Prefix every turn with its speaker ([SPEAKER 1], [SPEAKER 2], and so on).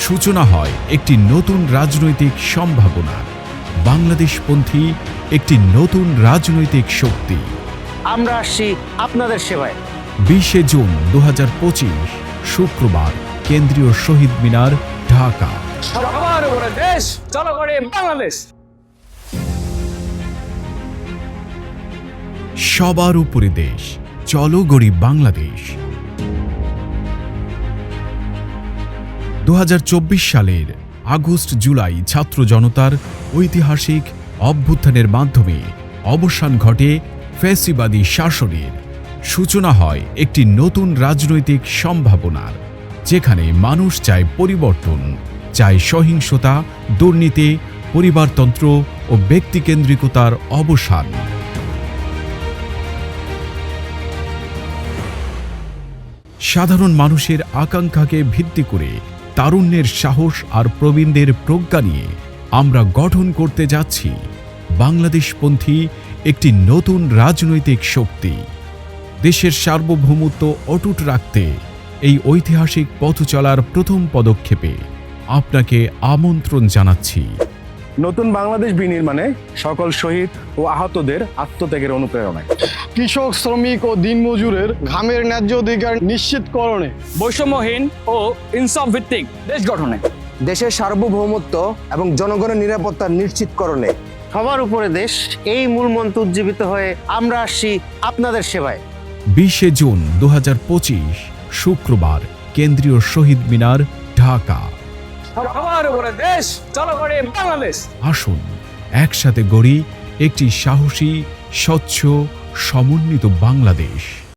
[SPEAKER 1] সূচনা হয় একটি নতুন রাজনৈতিক সম্ভাবনা। বাংলাদেশপন্থী একটি নতুন রাজনৈতিক শক্তি।
[SPEAKER 2] আমরা আসছি আপনাদের সেবায়।
[SPEAKER 1] 20 জুন 2025 শুক্রবার, কেন্দ্রীয় শহীদ মিনার, ঢাকা।
[SPEAKER 3] সবার উপরে দেশ, চলো করে বাংলাদেশ।
[SPEAKER 1] সবার উপরে দেশ, চলো গড়ি বাংলাদেশ। 2024 সালের আগস্ট জুলাই ছাত্র জনতার ঐতিহাসিক অভ্যুত্থানের মাধ্যমে অবসান ঘটে ফ্যাসিবাদী শাসনের। সূচনা হয় একটি নতুন রাজনৈতিক সম্ভাবনার, যেখানে মানুষ চায় পরিবর্তন, চায় সহিংসতা, দুর্নীতি, পরিবারতন্ত্র ও ব্যক্তিকেন্দ্রিকতার অবসান। সাধারণ মানুষের আকাঙ্ক্ষাকে ভিত্তি করে তারুণ্যের সাহস আর প্রবীণদের প্রজ্ঞা নিয়ে আমরা গঠন করতে যাচ্ছি বাংলাদেশপন্থী একটি নতুন রাজনৈতিক শক্তি। দেশের সার্বভৌমত্ব অটুট রাখতে এই ঐতিহাসিক পথ চলার প্রথম পদক্ষেপে আপনাকে আমন্ত্রণ জানাচ্ছি।
[SPEAKER 2] নতুন বাংলাদেশ বিনির্মাণে সকল শহীদ ও আহতদের আত্মত্যাগের অনুপ্রেরণায়,
[SPEAKER 4] কৃষক, শ্রমিক ও দিনমজুরের ঘামের ন্যায্য অধিকার নিশ্চিতকরণে,
[SPEAKER 3] বৈষম্যহীন ও ইনসাফ ভিত্তিক দেশ গঠনে,
[SPEAKER 5] দেশের সার্বভৌমত্ব এবং জনগণের নিরাপত্তা নিশ্চিতকরণে।
[SPEAKER 2] সবার উপরে দেশ, এই মূল মন্ত্র উজ্জীবিত হয়ে আমরা আসছি আপনাদের সেবায়।
[SPEAKER 1] 20 জুন 2025 শুক্রবার, কেন্দ্রীয় শহীদ মিনার, ঢাকা।
[SPEAKER 3] সবার উপরে দেশ, চলো করে বাংলাদেশ।
[SPEAKER 1] আসুন একসাথে গড়ি একটি সাহসী, স্বচ্ছ, সমন্বিত বাংলাদেশ।